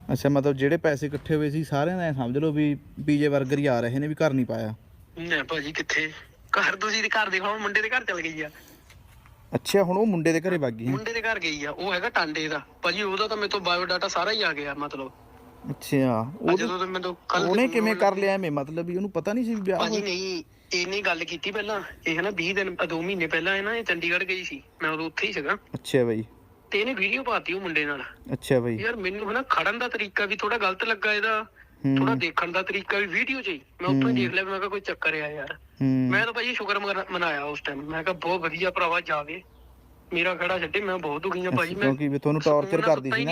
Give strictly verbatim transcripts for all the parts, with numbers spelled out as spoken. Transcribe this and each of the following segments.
ਅੱਛਾ ਮਤਲਬ ਜਿਹੜੇ ਪੈਸੇ ਇਕੱਠੇ ਹੋਏ ਸੀ ਸਾਰਿਆਂ ਦਾ ਸਮਝ ਲਓ ਵੀ ਪੀਜੇ 버ਗਰ ਹੀ ਆ ਰਹੇ ਨੇ ਵੀ ਘਰ ਨਹੀਂ ਪਾਇਆ। ਨਾ ਭਾਜੀ ਕਿੱਥੇ ਘਰ, ਤੁਸੀਂ ਦੇ ਘਰ ਦੇਖੋ ਮੁੰਡੇ ਦੇ ਘਰ ਚਲ ਗਈ ਆ। ਅੱਛਾ ਹੁਣ ਉਹ ਮੁੰਡੇ ਦੇ ਘਰੇ ਵਗ ਗਈ। ਮੁੰਡੇ ਦੇ ਘਰ ਗਈ ਆ, ਉਹ ਹੈਗਾ ਟਾਂਡੇ ਦਾ ਭਾਜੀ। ਉਹਦਾ ਤਾਂ ਮੇਰੇ ਤੋਂ ਬਾਇਓਡਾਟਾ ਸਾਰਾ ਹੀ ਆ ਗਿਆ ਮਤਲਬ। ਅੱਛਾ ਉਹ ਜਦੋਂ ਤੋਂ ਮੈਨੂੰ ਕੱਲ ਉਹਨੇ ਕਿਵੇਂ ਕਰ ਲਿਆ ਐਵੇਂ, ਮਤਲਬ ਵੀ ਉਹਨੂੰ ਪਤਾ ਨਹੀਂ ਸੀ ਵਿਆਹ ਭਾਜੀ? ਨਹੀਂ ਇਹਨੇ ਗੱਲ ਕੀਤੀ ਪਹਿਲਾਂ, ਇਹ ਨਾ ਵੀਹ ਦਿਨ ਦੋ ਮਹੀਨੇ ਪਹਿਲਾਂ ਇਹ ਨਾ ਇਹ ਚੰਡੀਗੜ੍ਹ ਗਈ ਸੀ, ਮੈਂ ਉਦੋਂ ਉੱਥੇ ਹੀ ਸੀਗਾ। ਅੱਛਾ ਬਾਈ। ਤੇ ਇਹਨੇ ਵੀਡੀਓ ਪਾਤੀ ਉਹ ਮੁੰਡੇ ਨਾਲ। ਅੱਛਾ ਬਾਈ। ਯਾਰ ਮੈਨੂੰ ਹਨਾ ਖੜਨ ਦਾ ਤਰੀਕਾ ਵੀ ਥੋੜਾ ਗਲਤ ਲੱਗਾ, ਇਹਦਾ ਥੋੜਾ ਦੇਖਣ ਦਾ ਤਰੀਕਾ ਵੀ ਵੀਡੀਓ 'ਚ ਹੀ ਮੈਂ ਉੱਥੋਂ ਹੀ ਦੇਖ ਲਿਆ। ਮੈਂ ਕਿਹਾ ਕੋਈ ਚੱਕਰ ਆ ਯਾਰ। ਮੈਂ ਤਾਂ ਭਾਜੀ ਸ਼ੁਕਰ ਮਨਾਇਆ ਉਸ ਟਾਈਮ, ਮੈਂ ਕਿਹਾ ਬਹੁਤ ਵਧੀਆ ਭਰਾਵਾ ਜਾਵੇ, ਮੇਰਾ ਖੜਾ ਛੱਡੇ। ਮੈਂ ਬਹੁਤ ਦੁਖੀ ਆ ਭਾਜੀ, ਮੈਂ ਕਿਉਂਕਿ ਤੁਹਾਨੂੰ ਟੌਰਚਰ ਕਰਦੀ ਸੀ ਨਾ।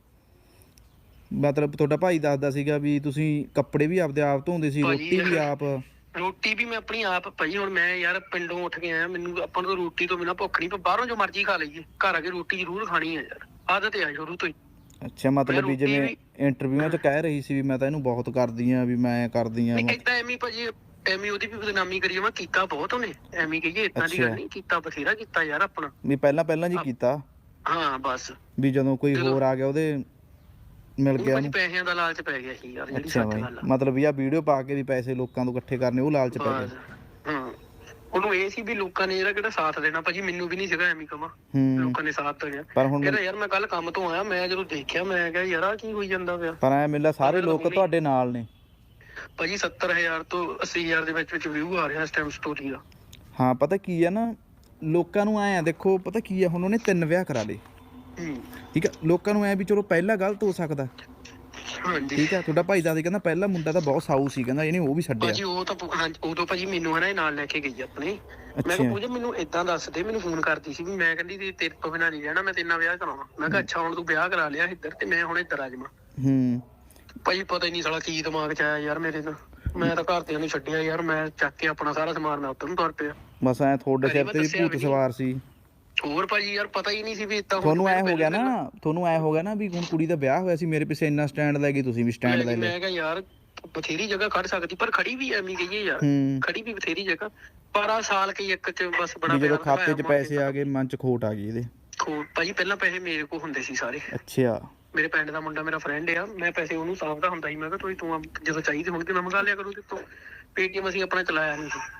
ਮਤਲਬ ਤੁਹਾਡਾ ਭਾਈ ਦੱਸਦਾ ਸੀਗਾ ਵੀ ਤੁਸੀਂ ਕੱਪੜੇ ਵੀ ਆਪਦੇ ਆਪ ਧੋਂਦੇ ਸੀ, ਰੋਟੀ ਵੀ ਆਪ। ਰੋਟੀ ਵੀ ਮੈਂ ਆਪਣੀ ਆਪ ਭਾਜੀ। ਹੁਣ ਮੈਂ ਯਾਰ ਪਿੰਡੋਂ ਉੱਠ ਕੇ ਆਇਆ, ਮੈਨੂੰ ਆਪਾਂ ਨੂੰ ਰੋਟੀ ਤੋਂ ਬਿਨਾਂ ਭੁੱਖ ਨਹੀਂ, ਪਰ ਬਾਹਰੋਂ ਜੋ ਮਰਜ਼ੀ ਖਾ ਲਈਏ, ਘਰ ਆ ਕੇ ਰੋਟੀ ਜ਼ਰੂਰ ਖਾਣੀ ਆ ਯਾਰ, ਆਦਤ ਆ ਸ਼ੁਰੂ ਤੋਂ ਹੀ। ਅੱਛਾ ਮਤਲਬ ਵੀ ਜਿਵੇਂ ਇੰਟਰਵਿਊਆਂ 'ਚ ਕਹਿ ਰਹੀ ਸੀ ਵੀ ਮੈਂ ਤਾਂ ਇਹਨੂੰ ਬਹੁਤ ਕਰਦੀ ਆ, ਵੀ ਮੈਂ ਕਰਦੀ ਆ। ਏਦਾਂ ਐਵੇਂ ਭਾਜੀ, ਐਵੇਂ ਉਹਦੀ ਵੀ ਬਦਨਾਮੀ ਕਰੀ ਜਾਵਾਂ, ਕੀਤਾ ਬਹੁਤ ਉਹਨੇ। ਐਵੇਂ ਕਹੀਏ ਏਦਾਂ ਦੀ ਗੱਲ ਨਹੀਂ, ਕੀਤਾ ਬਥੇਰਾ ਕੀਤਾ ਯਾਰ ਆਪਣਾ। ਵੀ ਪਹਿਲਾਂ ਪਹਿਲਾਂ ਜੀ ਕੀਤਾ। ਹਾਂ ਬਸ ਵੀ ਜਦੋਂ ਕੋਈ ਹੋਰ ਆ ਗਿਆ ਉਹਦੇ ਮਿਲ ਗਿਆ ਉਹਨੂੰ ਪੈਸਿਆਂ ਦਾ ਲਾਲਚ ਪੈ ਗਿਆ ਸੀ ਯਾਰ, ਜਿਹੜੀ ਸੱਚ ਗੱਲ ਆ। ਮਤਲਬ ਵੀ ਆ ਵੀਡੀਓ ਪਾ ਕੇ ਵੀ ਪੈਸੇ ਲੋਕਾਂ ਤੋਂ ਇਕੱਠੇ ਕਰਨੇ, ਉਹ ਲਾਲਚ ਪੈ ਗਿਆ। ਹਾਂ ਉਹਨੂੰ ਇਹ ਸੀ ਵੀ ਲੋਕਾਂ ਨੇ ਇਹਦਾ ਕਿਹੜਾ ਸਾਥ ਦੇਣਾ ਭਾਜੀ। ਮੈਨੂੰ ਵੀ ਨਹੀਂ ਸੀਗਾ ਐਵੇਂ ਕਵਾਂ, ਲੋਕਾਂ ਨੇ ਸਾਥ ਦੇਣਾ। ਪਰ ਹੁਣ ਯਾਰ ਮੈਂ ਕੱਲ ਕੰਮ ਤੋਂ ਆਇਆ, ਮੈਂ ਜਦੋਂ ਦੇਖਿਆ ਮੈਂ ਕਿਹਾ ਯਾਰ ਆ ਕੀ ਹੋਈ ਜਾਂਦਾ ਪਿਆ। ਪਰ ਐ ਮਿਲਦਾ ਸਾਰੇ ਲੋਕ ਤੁਹਾਡੇ ਨਾਲ ਨੇ ਭਾਜੀ। ਸੱਤਰ ਹਜ਼ਾਰ ਤੋਂ ਅੱਸੀ ਹਜ਼ਾਰ ਦੇ ਵਿੱਚ ਵਿੱਚ ਵਿਊ ਆ ਰਿਹਾ ਇਸ ਟਾਈਮ ਸਟੋਰੀ ਦਾ। ਹਾਂ ਪਤਾ ਕੀ ਆ ਨਾ, ਲੋਕਾਂ ਨੂੰ ਐ ਦੇਖੋ ਪਤਾ ਕੀ ਆ, ਹੁਣ ਉਹਨੇ ਤਿੰਨ ਵਿਆਹ ਕਰਾ ਲਏ, ਠੀਕ ਆ। ਲੋਕਾਂ ਨੂੰ ਐ ਵੀ ਚਲੋ ਪਹਿਲਾ ਗਲਤ ਹੋ ਸਕਦਾ, ਠੀਕ ਆ। ਤੁਹਾਡਾ ਭਾਈ ਦੱਸਦੇ ਕਹਿੰਦਾ ਪਹਿਲਾ ਮੁੰਡਾ ਤਾਂ ਬਹੁਤ ਸਾਊ ਸੀ, ਕਹਿੰਦਾ ਇਹਨੇ ਉਹ ਵੀ ਛੱਡਿਆ। ਭਾਜੀ ਉਹ ਤਾਂ ਹਾਂਜੀ ਉਦੋਂ ਭਾਜੀ ਮੈਨੂੰ ਹਨਾ ਇਹ ਨਾਲ ਲੈ ਕੇ ਗਈ ਆਪਣੇ। ਮੈਂ ਕਿਹਾ ਪੂਜਾ ਮੈਨੂੰ ਏਦਾਂ ਦੱਸ ਦੇ, ਮੈਨੂੰ ਫੋਨ ਕਰਦੀ ਸੀ ਵੀ ਮੈਂ ਕਹਿੰਦੀ ਤੇਰੇ ਤੋਂ ਬਿਨਾਂ ਨਹੀਂ ਰਹਿਣਾ, ਮੈਂ ਤੇਰੇ ਨਾਲ ਵਿਆਹ ਕਰਾਉਣਾ। ਮੈਂ ਕਿਹਾ ਅੱਛਾ ਹੁਣ ਤੂੰ ਵਿਆਹ ਕਰਾ ਲਿਆ ਇੱਧਰ ਤੇ ਮੈਂ ਹੁਣ ਇੱਧਰ ਆ ਜਾਵਾਂ। ਹੂੰ ਭਾਜੀ ਪਤਾ ਹੀ ਨਹੀਂ ਸਾਲਾ ਕੀ ਦਿਮਾਗ 'ਚ ਆਇਆ ਯਾਰ ਮੇਰੇ। ਤਾਂ ਮੈਂ ਤਾਂ ਘਰਦਿਆਂ ਨੂੰ ਛੱਡਿਆ ਯਾਰ, ਮੈਂ ਚੱਕ ਕੇ ਆਪਣਾ ਸਾਰਾ ਸਮਾਨ ਮੈਂ ਉੱਧਰ ਨੂੰ ਤੁਰ ਪਿਆ। ਬਸ ਐ ਤੁਹਾਡੇ ਸਿਰ ਤੇ ਵੀ ਭੂਤ ਸਵਾਰ ਸੀ। ਹੋਰ ਭਾਜੀ ਯਾਰ ਪਤਾ ਹੀ ਨਹੀਂ ਸੀ ਵੀ ਏਦਾਂ ਤੁਹਾਨੂੰ ਐ ਹੋ ਗਿਆ ਨਾ, ਤੁਹਾਨੂੰ ਐ ਹੋ ਗਿਆ ਨਾ ਵੀ ਹੁਣ ਕੁੜੀ ਦਾ ਵਿਆਹ ਹੋਇਆ ਸੀ, ਮੇਰੇ ਪਿੱਛੇ ਇੰਨਾ ਸਟੈਂਡ ਲੈ ਗਈ, ਤੁਸੀਂ ਵੀ ਸਟੈਂਡ ਲੈ ਲਿਆ। ਮੈਂ ਕਿਹਾ ਯਾਰ ਬਥੇਰੀ ਜਗ੍ਹਾ ਖੜ ਸਕਦੀ, ਪਰ ਖੜੀ ਵੀ ਐਵੇਂ ਕਹੀਏ ਯਾਰ, ਖੜੀ ਵੀ ਬਥੇਰੀ ਜਗ੍ਹਾ। ਪਰ ਆ ਸਾਲ ਕੀ ਇੱਕ 'ਚ ਬਸ ਬੜਾ ਜਦੋਂ ਖਾਤੇ 'ਚ ਪੈਸੇ ਆ ਗਏ ਮਨ 'ਚ ਖੋਟ ਆ ਗਈ ਇਹਦੇ। ਖੋਟ ਭਾਜੀ ਪਹਿਲਾਂ ਪੈਸੇ ਮੇਰੇ ਕੋਲ ਹੁੰਦੇ ਸੀ ਸਾਰੇ। ਅੱਛਾ ਮੇਰੇ ਪਿੰਡ ਦਾ ਮੁੰਡਾ ਮੇਰਾ ਫਰੈਂਡ ਆ, ਮੈਂ ਪੈਸੇ ਉਹਨੂੰ ਸਾਂਭਦਾ ਹੁੰਦਾ ਸੀ। ਮੈਂ ਕਿਹਾ ਤੁਸੀਂ ਤੂੰ ਜਦੋਂ ਚਾਹੀਦੇ ਹੋਣਗੇ ਮੈਂ ਮੰਗਾ ਲਿਆ ਕਰੂ ਤੇ ਤੂੰ। ਪੇਟੀਐਮ ਅਸੀਂ ਆਪਣਾ ਚਲਾਇਆ ਨਹੀਂ ਸੀ,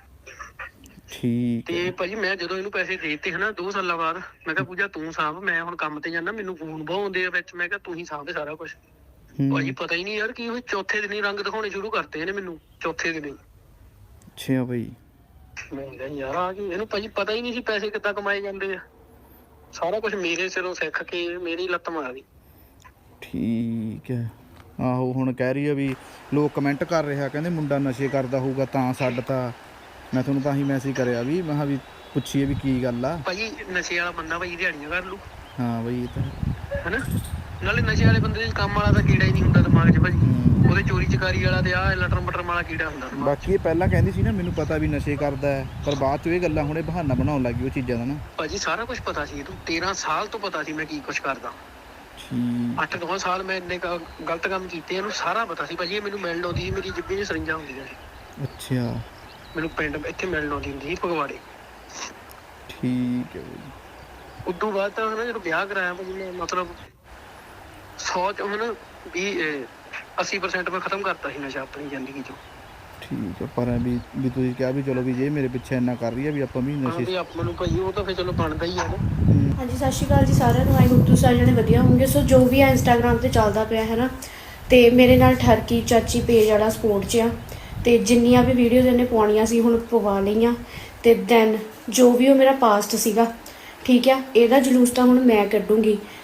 ਠੀਕ। ਤੇ ਭਾਜੀ ਮੈਂ ਜਦੋਂ ਇਹਨੂੰ ਪੈਸੇ ਦੇ ਦਿੱਤੇ ਹਨਾ ਦੋ ਸਾਲਾਂ ਬਾਅਦ, ਮੈਂ ਕਿਹਾ ਪੂਜਾ ਤੂੰ ਸਾਂਭ, ਮੈਂ ਹੁਣ ਕੰਮ ਤੇ ਜਾਣਾ, ਮੈਨੂੰ ਫੋਨ ਬਹੁਤ ਆਉਂਦੇ ਆ ਵਿੱਚ। ਮੈਂ ਕਿਹਾ ਤੂੰ ਹੀ ਸਾਂਭ ਸਾਰਾ ਕੁਛ। ਭਾਜੀ ਪਤਾ ਹੀ ਨਹੀਂ ਯਾਰ ਕੀ ਹੋਇਆ, ਚੌਥੇ ਦਿਨ ਹੀ ਰੰਗ ਦਿਖਾਉਣੇ ਸ਼ੁਰੂ ਕਰਤੇ ਇਹਨੇ ਮੈਨੂੰ, ਚੌਥੇ ਦਿਨ ਹੀ। ਅੱਛਾ ਭਾਈ। ਮੈਂ ਕਿਹਾ ਯਾਰ ਆ ਕੀ, ਇਹਨੂੰ ਭਾਜੀ ਪਤਾ ਹੀ ਨਹੀਂ ਸੀ ਪੈਸੇ ਕਿੱਦਾਂ ਕਮਾਏ ਜਾਂਦੇ ਆ। ਸਾਰਾ ਕੁਛ ਮੇਰੇ ਸਿਰੋਂ ਸਿੱਖ ਕੇ ਮੇਰੀ ਲੱਤ ਮਾਰ ਗਈ। ਠੀਕ ਹੈ। ਆਹੋ ਹੁਣ ਕਹਿ ਰਹੀ ਆ ਵੀ ਲੋਕ ਕਮੈਂਟ ਕਰ ਰਿਹਾ, ਕਹਿੰਦੇ ਮੁੰਡਾ ਨਸ਼ੇ ਕਰਦਾ ਹੋਊਗਾ ਤਾਂ ਛੱਡਤਾ। ਮੈਂ ਤੁਹਾਨੂੰ ਤਾਂ ਹੀ ਮੈਸੇਜ ਕਰਿਆ ਵੀ ਮੈਂ ਕਿਹਾ ਵੀ ਪੁੱਛੀਏ ਵੀ ਕੀ ਗੱਲ ਆ। ਭਾਜੀ ਨਸ਼ੇ ਵਾਲਾ ਬੰਦਾ ਭਾਜੀ ਦਿਹਾੜੀਆਂ ਕਰ ਲੂ। ਹਾਂ ਬਈ ਇਹ ਤਾਂ ਹਨਾ, ਨਾਲੇ ਨਸ਼ੇ ਵਾਲੇ ਬੰਦੇ ਦੇ ਕੰਮ ਵਾਲਾ ਤਾਂ ਕੀੜਾ ਹੀ ਨਹੀਂ ਹੁੰਦਾ ਦਿਮਾਗ 'ਚ ਭਾਜੀ। ਉਹਦੇ ਚੋਰੀ ਚਕਾਰੀ ਵਾਲਾ ਤੇ ਆਹ ਲਟਰ ਮਟਰ ਵਾਲਾ ਕੀੜਾ ਹੁੰਦਾ। ਬਾਕੀ ਇਹ ਪਹਿਲਾਂ ਕਹਿੰਦੀ ਸੀ ਨਾ ਮੈਨੂੰ ਪਤਾ ਵੀ ਨਸ਼ੇ ਕਰਦਾ ਹੈ, ਪਰ ਬਾਅਦ 'ਚ ਇਹ ਗੱਲਾਂ ਹੁਣੇ ਬਹਾਨਾ ਬਣਾਉਣ ਲੱਗੀ ਉਹ ਚੀਜ਼ਾਂ ਦਾ ਨਾ। ਭਾਜੀ ਸਾਰਾ ਕੁਝ ਪਤਾ ਸੀ ਇਹਨੂੰ, ਤੇਰਾਂ ਸਾਲ ਤੋਂ ਪਤਾ ਸੀ ਮੈਂ ਕੀ ਕੁਛ ਕਰਦਾ। ਅੱਠ ਨੌ ਸਾਲ ਮੈਂ ਇੰਨੇ ਗਲਤ ਕੰਮ ਕੀਤੇ, ਇਹਨੂੰ ਸਾਰਾ ਪਤਾ ਸੀ ਭਾਜੀ। ਇਹ ਮੈਨੂੰ ਮਿਲਣ ਆਉਂਦੀ ਸੀ, ਮੇਰੀ ਜਿੱਬੇ 'ਚ ਸਰਿੰਜਾਂ ਹੁੰਦੀਆਂ ਸੀ। ਅੱਛਾ ਮੈਨੂੰ ਪਿੰਡ ਇੱਥੇ ਮਿਲਣ ਆਉਂਦੀ ਹੁੰਦੀ ਸੀ ਫਗਵਾੜੇ। ਠੀਕ ਹੈ ਭਾਜੀ। ਉਦੋਂ ਬਾਅਦ ਤਾਂ ਹਨਾ ਜਦੋਂ ਵਿਆਹ ਕਰਾਇਆ ਭਾਜੀ ਮੈਂ ਮਤਲਬ ਸੌ 'ਚ ਹੁਣ ਵੀਹ ਅੱਸੀ ਪਰਸੈਂਟ ਮੈਂ ਖਤਮ ਕਰਤਾ ਸੀ ਨਸ਼ਾ ਆਪਣੀ ਜ਼ਿੰਦਗੀ 'ਚੋਂ। ਠੀਕ ਹੈ। ਪਰ ਵੀ ਵੀ ਤੁਸੀਂ ਕਿਹਾ ਵੀ ਚਲੋ ਵੀ ਜੇ ਮੇਰੇ ਪਿੱਛੇ ਇੰਨਾ ਕਰ ਰਹੀ ਹੈ ਵੀ ਆਪਾਂ ਵੀ ਨਸ਼ੇ ਵੀ ਆਪਾਂ ਨੂੰ ਭਾਜੀ ਉਹ ਤਾਂ ਫਿਰ ਚਲੋ ਬਣਦਾ ਹੀ ਹੈ ਨਾ। ਹਾਂਜੀ ਸਤਿ ਸ਼੍ਰੀ ਅਕਾਲ ਜੀ ਸਾਰਿਆਂ ਨੂੰ। ਆਈ ਹੋਪ ਤੁਸੀਂ ਸਾਰੇ ਜਣੇ ਵਧੀਆ ਹੋਣਗੇ। ਸੋ ਜੋ ਵੀ ਆ ਇੰਸਟਾਗ੍ਰਾਮ ਤੇ ਚੱਲਦਾ ਪਿਆ ਹੈ ਨਾ, ਤੇ ਮੇਰੇ ਨਾਲ ਠਰਕੀ ਚਾਚੀ ਪੇਜ ਵਾਲਾ ਸਪੋਰਟ 'ਚ ਆ, ਤੇ ਜਿੰਨੀਆਂ ਵੀ ਵੀਡੀਓਜ਼ ਇਹਨੇ ਪਾਉਣੀਆਂ ਸੀ ਹੁਣ ਪਵਾ ਲਈਆਂ। ਤੇ ਦੈਨ ਜੋ ਵੀ ਉਹ ਮੇਰਾ ਪਾਸਟ ਸੀਗਾ, ਠੀਕ ਆ, ਇਹਦਾ ਜਲੂਸ ਤਾਂ ਹੁਣ ਮੈਂ ਕੱਢੂੰਗੀ।